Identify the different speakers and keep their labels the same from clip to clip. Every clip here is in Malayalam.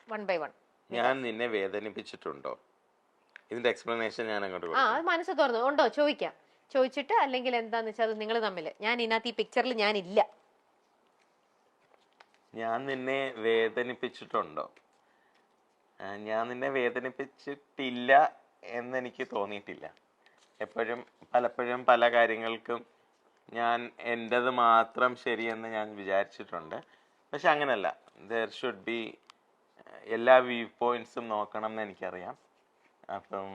Speaker 1: 1 by 1.
Speaker 2: ഞാൻ നിന്നെ വേദനിപ്പിച്ചിട്ടുണ്ടോ? ഇതിന്റെ എക്സ്പ്ലനേഷൻ ഞാൻ അങ്ങോട്ട്
Speaker 1: ആ അത് മനസ്സ് തുറന്നു ഉണ്ടോ ചോദിക്കാം. ചോദിച്ചിട്ട് അല്ലെങ്കിൽ എന്താന്ന് വെച്ചാൽ അത് നിങ്ങൾ തമ്മിൽ ഞാൻ ഇതിനകത്ത് ഈ പിക്ചറിൽ ഞാനില്ല.
Speaker 2: ഞാൻ നിന്നെ വേദനിപ്പിച്ചിട്ടുണ്ടോ? ഞാൻ നിന്നെ വേദനിപ്പിച്ചിട്ടില്ല എന്നെനിക്ക് തോന്നിയിട്ടില്ല. പലപ്പോഴും പല കാര്യങ്ങൾക്കും ഞാൻ എൻ്റെത് മാത്രം ശരിയെന്ന് ഞാൻ വിചാരിച്ചിട്ടുണ്ട്. പക്ഷെ അങ്ങനല്ല, ദർ ഷുഡ് ബി എല്ലാ വ്യൂ പോയിന്റ്സും നോക്കണം എന്ന് എനിക്കറിയാം. അപ്പം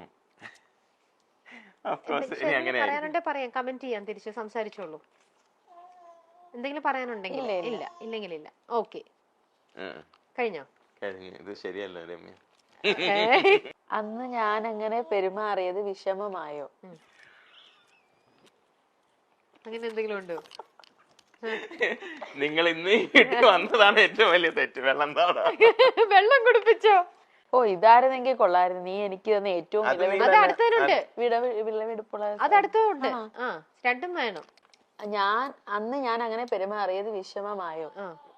Speaker 1: പറയാനുണ്ടെ പറയാം, കമന്റ് ചെയ്യാൻ തിരിച്ച് സംസാരിച്ചോളൂ. എന്തെങ്കിലും പറയാനുണ്ടെങ്കിൽ ഇല്ല, ഇല്ലെങ്കിൽ ഇല്ല. ഓക്കെ, കഴിഞ്ഞോ?
Speaker 2: ഇത് ശരിയല്ല രമ്യ.
Speaker 3: അന്ന് ഞാൻ അങ്ങനെ പെരുമാറിയത് വിഷമമായോ?
Speaker 1: അങ്ങനെ എന്തെങ്കിലും ഉണ്ടോ?
Speaker 2: നിങ്ങൾ ഇന്ന് ഇട്ട് വന്നതാണ് ഏറ്റവും വലിയ തെറ്റ്.
Speaker 1: വെള്ളം കുടിപ്പിച്ചോ?
Speaker 3: ഓ ഇതായിരുന്നെങ്കിൽ കൊള്ളായിരുന്നു. നീ എനിക്ക് തന്നെ ഏറ്റവും വിളവെടുപ്പുള്ള
Speaker 1: അതടുത്തുണ്ട്. രണ്ടും വേണം.
Speaker 3: അന്ന് ഞാൻ അങ്ങനെ പെരുമാറിയത് വിഷമമായോ?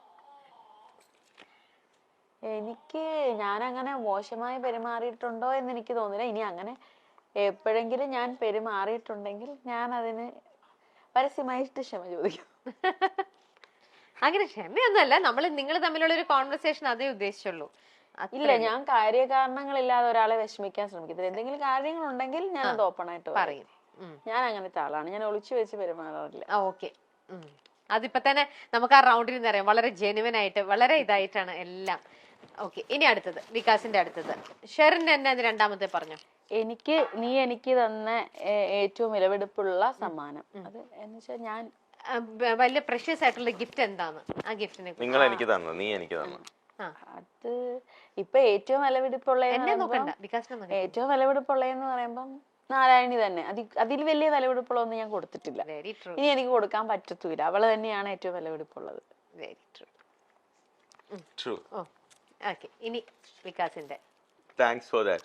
Speaker 3: എനിക്ക് ഞാൻ അങ്ങനെ മോശമായി പെരുമാറിയിട്ടുണ്ടോ എന്ന് എനിക്ക് തോന്നില്ല. ഇനി അങ്ങനെ എപ്പോഴെങ്കിലും ഞാൻ പെരുമാറിയിട്ടുണ്ടെങ്കിൽ ഞാൻ അതിന് പരസ്യമായിട്ട് ക്ഷമ ചോദിക്കും.
Speaker 1: അങ്ങനെ ക്ഷമയൊന്നുമല്ല, നിങ്ങൾ തമ്മിലുള്ള ഒരു കോൺവെർസേഷൻ അതേ ഉദ്ദേശിച്ചുള്ളൂ.
Speaker 3: ഇല്ല, ഞാൻ കാര്യകാരണങ്ങളില്ലാതെ ഒരാളെ വിഷമിക്കാൻ ശ്രമിക്കത്തില്ല. എന്തെങ്കിലും കാര്യങ്ങൾ ഉണ്ടെങ്കിൽ ഞാൻ അത് ഓപ്പൺ ആയിട്ട് പറയും. ഞാൻ അങ്ങനത്തെ ആളാണ്, ഞാൻ ഒളിച്ചു വെച്ച് പെരുമാറാറില്ല.
Speaker 1: ഓക്കെ, അതിപ്പോ തന്നെ നമുക്ക് ആ റൗണ്ടിൽ നിന്ന് അറിയാം. വളരെ ജെനുവൻ ആയിട്ട് വളരെ ഇതായിട്ടാണ് എല്ലാം. ഓക്കെ, ഇനി അടുത്തത് വികാസിന്റെ അടുത്തത്. ഷെറിന്റെ തന്നെ അത് രണ്ടാമത്തെ പറഞ്ഞു.
Speaker 3: നീ എനിക്ക് തന്ന ഏറ്റവും വിലപിടിപ്പുള്ള സമ്മാനം അത് എന്ന് വെച്ചാൽ ഞാൻ
Speaker 1: വലിയ പ്രഷ്യസ് ആയിട്ടുള്ള ഗിഫ്റ്റ് എന്താണ്? ആ ഗിഫ്റ്റിനെ
Speaker 2: നിങ്ങൾ എനിക്ക് തന്നു, നീ എനിക്ക് തന്നു.
Speaker 3: അത് ഇപ്പൊ ഏറ്റവും വിലപിടിപ്പുള്ള ഏറ്റവും വിലപിടിപ്പുള്ളതെന്ന് പറയുമ്പം നാരായണി തന്നെ. അതിൽ വലിയ വിലപിടിപ്പുള്ള ഒന്നും ഞാൻ കൊടുത്തിട്ടില്ല. ഇനി എനിക്ക് കൊടുക്കാൻ പറ്റത്തൂല. അവള് തന്നെയാണ് ഏറ്റവും വിലപിടിപ്പുള്ളത്.
Speaker 1: Very true. ഓക്കെ, ഇനി വികാസിന്റെ.
Speaker 2: Thanks for that.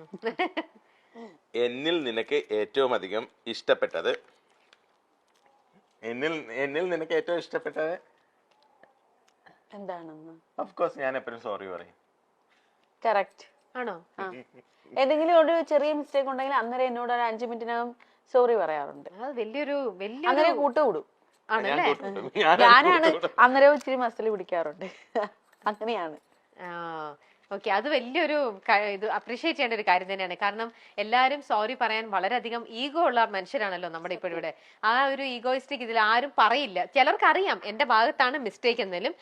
Speaker 2: എന്നിൽ നിനക്ക് ഏറ്റവും അധികം ഇഷ്ടപ്പെട്ടത്
Speaker 3: എന്താണെന്ന്
Speaker 2: ഓഫ് കോഴ്സ് ഞാൻ എപ്പോഴും സോറി പറയും.
Speaker 3: കറക്റ്റ്
Speaker 1: ആണോ?
Speaker 3: എന്തെങ്കിലും ഒരു ചെറിയ മിസ്റ്റേക്ക് ഉണ്ടെങ്കിൽ അന്നേരം എന്നോട് ഒരു 5 മിനിറ്റിനകം സോറി പറയാറുണ്ട്. അങ്ങനെ കൂട്ടുകൂടും. ഞാനാണ് അന്നേരം ഇച്ചിരി മസിൽ പിടിക്കാറുണ്ട്. അങ്ങനെയാണ്.
Speaker 1: ഓക്കെ, അത് വലിയൊരു ഇത് അപ്രീഷിയേറ്റ് ചെയ്യേണ്ട ഒരു കാര്യം തന്നെയാണ്. കാരണം എല്ലാവരും സോറി പറയാൻ വളരെയധികം ഈഗോ ഉള്ള മനുഷ്യരാണല്ലോ നമ്മുടെ ഇപ്പോൾ ഇവിടെ. ആ ഒരു ഈഗോയിസ്റ്റിക് ഇതിൽ ആരും പറയില്ല. ചിലർക്ക് അറിയാം എന്റെ ഭാഗത്താണ് മിസ്റ്റേക്ക് എന്നാലും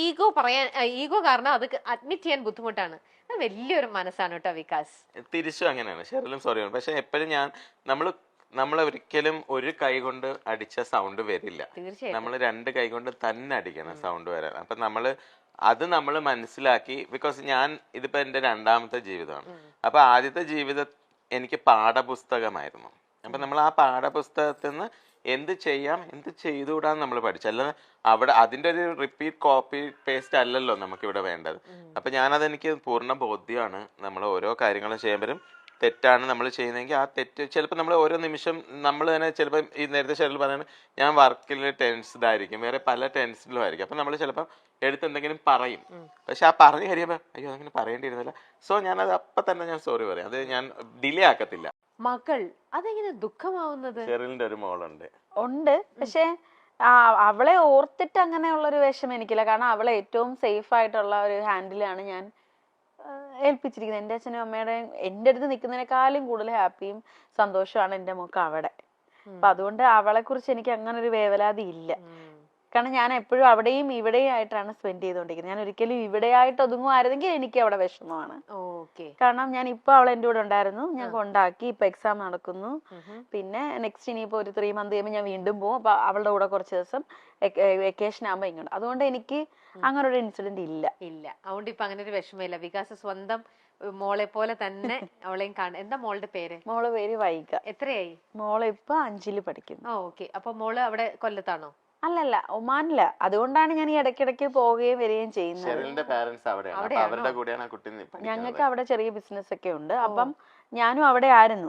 Speaker 1: ഈഗോ കാരണം അത് അഡ്മിറ്റ് ചെയ്യാൻ ബുദ്ധിമുട്ടാണ്. അത് വലിയൊരു മനസ്സാണ് കേട്ടോ വികാസ്.
Speaker 2: തിരിച്ചും അങ്ങനെയാണ്, ഷെറിലും സോറി പറയും. പക്ഷെ എപ്പോഴും നമ്മൾ ഒരിക്കലും ഒരു കൈ കൊണ്ട് അടിച്ച സൗണ്ട് വരില്ല. നമ്മൾ 2 കൈ കൊണ്ട് തന്നെ അടിക്കണം സൗണ്ട് വരാൻ. അപ്പൊ നമ്മൾ മനസ്സിലാക്കി. ബിക്കോസ് ഇതിപ്പോ എന്റെ 2ാമത്തെ ജീവിതമാണ്. അപ്പൊ ആദ്യത്തെ ജീവിതം എനിക്ക് പാഠപുസ്തകമായിരുന്നു. അപ്പൊ നമ്മൾ ആ പാഠപുസ്തകത്തിൽ നിന്ന് എന്ത് ചെയ്യാം എന്ത് ചെയ്തുകൂടാന്ന് നമ്മൾ പഠിച്ചു. അല്ലാതെ അവിടെ അതിന്റെ ഒരു റിപ്പീറ്റ് കോപ്പി പേസ്റ്റ് അല്ലല്ലോ നമുക്ക് ഇവിടെ വേണ്ടത്. അപ്പൊ അതെനിക്ക് പൂർണ്ണ ബോധ്യമാണ്. നമ്മൾ ഓരോ കാര്യങ്ങളും ചെയ്യുമ്പോഴും തെറ്റാണ് നമ്മൾ ചെയ്യുന്നതെങ്കിൽ ആ തെറ്റ് ചിലപ്പോൾ നമ്മൾ ഓരോ നിമിഷം നമ്മൾ തന്നെ ചിലപ്പോൾ ഈ നേരത്തെ ഷെറിൽ പറയുന്നത് ഞാൻ വർക്കിൽ ടെൻസ്ഡ് ആയിരിക്കും, വേറെ പല ടെൻഷനിലും ആയിരിക്കും. അപ്പൊ നമ്മൾ ചിലപ്പോൾ എന്തെങ്കിലും പറയും. പക്ഷെ ആ പറഞ്ഞു കഴിയുമ്പോൾ അയ്യോ അങ്ങനെ പറയേണ്ടിയിരുന്നില്ല. സോ ഞാനത് അപ്പൊ തന്നെ ഞാൻ സോറി പറയും. അത് ഞാൻ ഡിലേ ആക്കത്തില്ല.
Speaker 1: മകൾ അതെങ്ങനെ ദുഃഖമാവുന്നത്?
Speaker 2: ഷെറിലിന്റെ ഒരു മോളുണ്ട്.
Speaker 3: പക്ഷെ അവളെ ഓർത്തിട്ട് അങ്ങനെയുള്ളൊരു വിഷമം എനിക്കില്ല. കാരണം അവളെ ഏറ്റവും സേഫ് ആയിട്ടുള്ള ഒരു ഹാൻഡിലാണ് ഞാൻ ഏൽപ്പിച്ചിരിക്കുന്നത്. എൻ്റെ അച്ഛനും അമ്മയുടെയും എൻ്റെ അടുത്ത് നിൽക്കുന്നതിനേക്കാളും കൂടുതൽ ഹാപ്പിയും സന്തോഷമാണ് എൻ്റെ മോക്ക് അവിടെ. അപ്പൊ അതുകൊണ്ട് അവളെ കുറിച്ച് എനിക്ക് അങ്ങനെ ഒരു വേവലാതി ഇല്ല. കാരണം ഞാൻ എപ്പോഴും അവിടെയും ഇവിടെയും ആയിട്ടാണ് സ്പെൻഡ് ചെയ്തുകൊണ്ടിരിക്കുന്നത്. ഞാൻ ഒരിക്കലും ഇവിടെ ആയിട്ട് ഒതുങ്ങുമായിരുന്നെങ്കിൽ എനിക്ക് അവിടെ വിഷമമാണ്. കാരണം ഞാൻ ഇപ്പൊ അവൾ എൻ്റെ കൂടെ ഉണ്ടായിരുന്നു, ഞാൻ കൊണ്ടാക്കി, ഇപ്പൊ എക്സാം നടക്കുന്നു, പിന്നെ നെക്സ്റ്റ് ഇനിയിപ്പോ ഒരു 3 മന്ത് കഴിയുമ്പോൾ ഞാൻ വീണ്ടും പോകും. അപ്പൊ അവളുടെ കൂടെ കുറച്ച് ദിവസം വെക്കേഷൻ ആകുമ്പോ ഇങ്ങോട്ട്. അതുകൊണ്ട് എനിക്ക് അങ്ങനെ ഒരു ഇൻസിഡന്റ് ഇല്ല.
Speaker 1: അതുകൊണ്ട് ഇപ്പൊ അങ്ങനെ ഒരു വിഷമമില്ല. വികാസ് സ്വന്തം മോളെ പോലെ തന്നെ അവളെയും കാണാൻ. എന്താ മോളുടെ പേര്?
Speaker 3: മോളെ പേര് വൈക.
Speaker 1: എത്രയായി?
Speaker 3: മോളെ ഇപ്പൊ 5ൽ പഠിക്കുന്നു.
Speaker 1: ഓക്കെ, അപ്പൊ മോള് അവിടെ കൊല്ലത്താണോ?
Speaker 3: അല്ലല്ല, ഒമാനില. അതുകൊണ്ടാണ് ഞാൻ ഈ ഇടയ്ക്കിടയ്ക്ക് പോവുകയും വരികയും ചെയ്യുന്നത്. ഞങ്ങൾക്ക് അവിടെ ചെറിയ ബിസിനസ് ഒക്കെ ഉണ്ട്. അപ്പം ഞാനും അവിടെ ആയിരുന്നു.